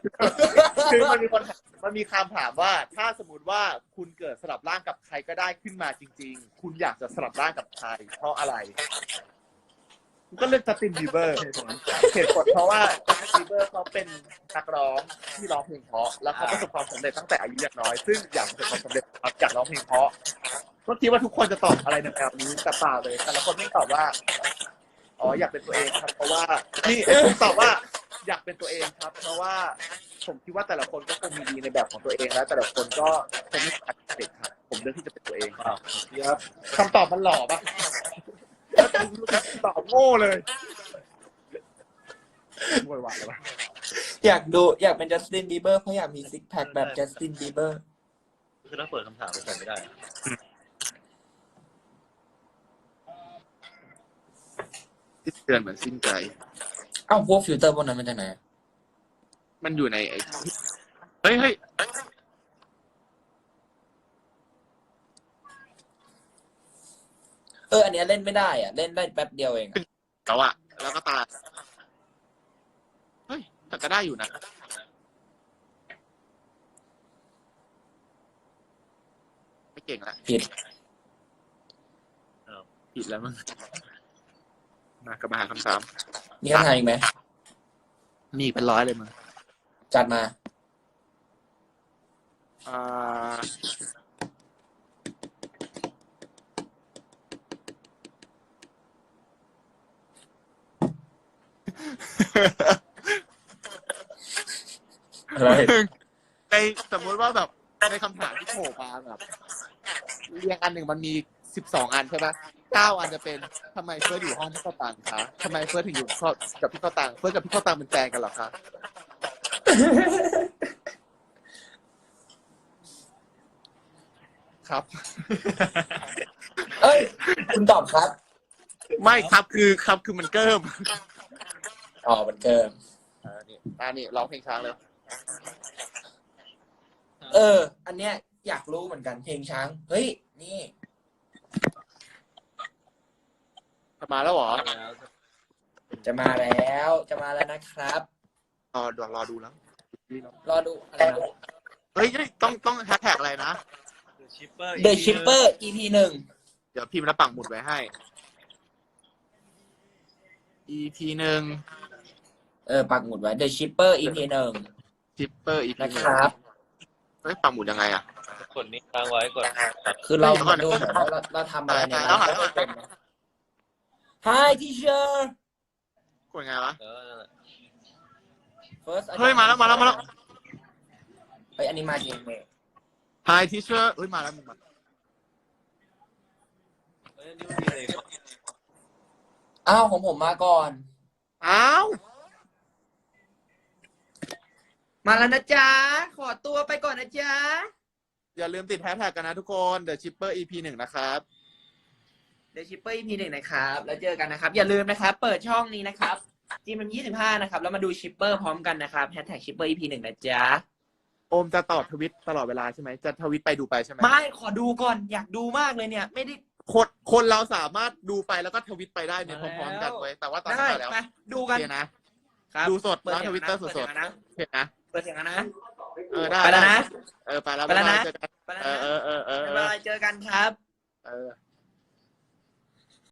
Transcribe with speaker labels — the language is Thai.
Speaker 1: คือมันมีคำถามว่าถ้าสมมติว่าคุณเกิดสลับร่างกับใครก็ได้ขึ้นมาจริงๆคุณอยากจะสลับร่างกับใครเพราะอะไรก็เลือกจัสตินบีเบอร์เหตุผลเพราะว่าจัสตินบีเบอร์เขาเป็นนักร้องที่ร้องเพลงเพราะแล้วเขาประสบความสำเร็จตั้งแต่อายุยังน้อยซึ่งอยากประสบความสำเร็จจากร้องเพลงเพราะก็คิดว่าทุกคนจะตอบอะไรในแบบนี้แต่เปล่าเลยแต่ละคนไม่ตอบว่าอ๋ออยากเป็นตัวเองครับเพราะว่านี่ผมตอบว่าอยากเป็นตัวเองครับเพราะว่าผมคิดว่าแต่ละคนก็คงมีดีในแบบของตัวเองแล้วแต่ละคนก็คงไม่อัดเด็กครับผมเลือกที่จะเป็นตัวเองครับคำตอบมันหล่อปะตอบโง่เลยโวยวายเลยวะ
Speaker 2: อยากเป็นจัสตินบีเบอร์เพราะอยากมีซิกแพคแบบจัสตินบีเบอร์
Speaker 3: คือถ้าเปิดคำถามไปไม่ได้
Speaker 1: สิ้นเดือนเหมือนสิ้นใจ
Speaker 2: เอ้าพวกฟิลเตอร์พวกนั้นมันจากไหน
Speaker 1: มันอยู่ในเฮ้ย
Speaker 2: อันนี้เล่นไม่ได้อ่ะเล่นได้แป๊บเดียวเอง
Speaker 1: แล้วอะแล้วก็ตาเฮ้ยแต่ก็ได้อยู่นะไม่เก่งละ
Speaker 2: ผิด
Speaker 1: แล้วมึงมากระบาคำสาม
Speaker 2: มีคำถามอีกไหม
Speaker 1: มีเป็นร้อยเลยมึง
Speaker 2: จัดมาอะไร
Speaker 1: ในสมมติว่าแบบในคำถามที่โผล่มาแบบเรียงอันหนึ่งมันมี12 อันใช่ไหม9 อันจะเป็นทำไมเฟิร์สอยู่ห้องพี่ข้าวตังคะทำไมเฟิร์สถึงอยู่กับพี่ข้าวตังเฟิร์สกับพี่ข้าวตังเป็นแฟนกันหรอคะครับ
Speaker 2: คุณตอบครับ
Speaker 1: ไม่ครับคือมันเกิม
Speaker 2: มันเกิม
Speaker 1: นี่ร้องเพลงช้างเลย
Speaker 2: อันเนี้ยอยากรู้เหมือนกันเพลงช้างเฮ้ยนี่
Speaker 1: จะมาแล้วเหรอ
Speaker 2: จะมาแล้วนะครับ
Speaker 1: รอดูแล้ว
Speaker 2: รอดูอะไรนะ
Speaker 1: เฮ้ยต้องแฮชแท็กอะไรนะ
Speaker 2: The Shipper EP 1
Speaker 1: เดี๋ยวพิมพ์แล้วปักหมุดไว้ให้ EP 1
Speaker 2: ปักหมุดไว้ The Shipper EP 1
Speaker 1: Shipper EP
Speaker 2: นะครับ
Speaker 1: ปักหมุดยังไงอ่ะ
Speaker 3: กดนี้ค้างไว้ก่อน
Speaker 2: คือเรามาดูเราทำอะไรเนี่ยHi teacher
Speaker 1: กดไงวะ
Speaker 2: First
Speaker 1: เฮ้ยมาแล้ว
Speaker 2: เฮ้ยอันนี้มาจริงเลย
Speaker 1: Hi teacher เฮ้ยมาแล้วมึงมา
Speaker 2: ของผมมาก่อนมาแล้วนะจ๊ะขอตัวไปก่อนนะจ๊ะ
Speaker 1: อย่าลืมติดแฮชแท็กกันนะทุกคน The Shipper EP 1นะครับ
Speaker 2: The Shipper EP 1นะครับแล้วเจอกันนะครับอย่าลืมนะครับเปิดช่องนี้นะครับGM25นะครับแล้วมาดู Shipper พร้อมกันนะครับ#Shipper EP 1นะจ๊ะ
Speaker 1: โอมจะตอบทวิตตลอดเวลาใช่ไหมจะทวิตไปดูไปใช่ไหม
Speaker 2: ไม่ขอดูก่อนอยากดูมากเลยเนี่ยไม่ได้
Speaker 1: คนเราสามารถดูไปแล้วก็ทวิตไปได้เนี่ยพร้อมๆกันเว้ยแต่ว่าตอนนี้แล้ว
Speaker 2: ดูกัน
Speaker 1: นะดูสดแล้วทวิตเตอร์สด
Speaker 2: ๆนะ
Speaker 1: เห็นนะ
Speaker 2: เปิดเสียงนะ
Speaker 1: ได้
Speaker 2: ไปแล้วนะ
Speaker 1: ไปแล้ว
Speaker 2: ไปแล้วนะ
Speaker 1: เจอกัน
Speaker 2: เจอกันครับ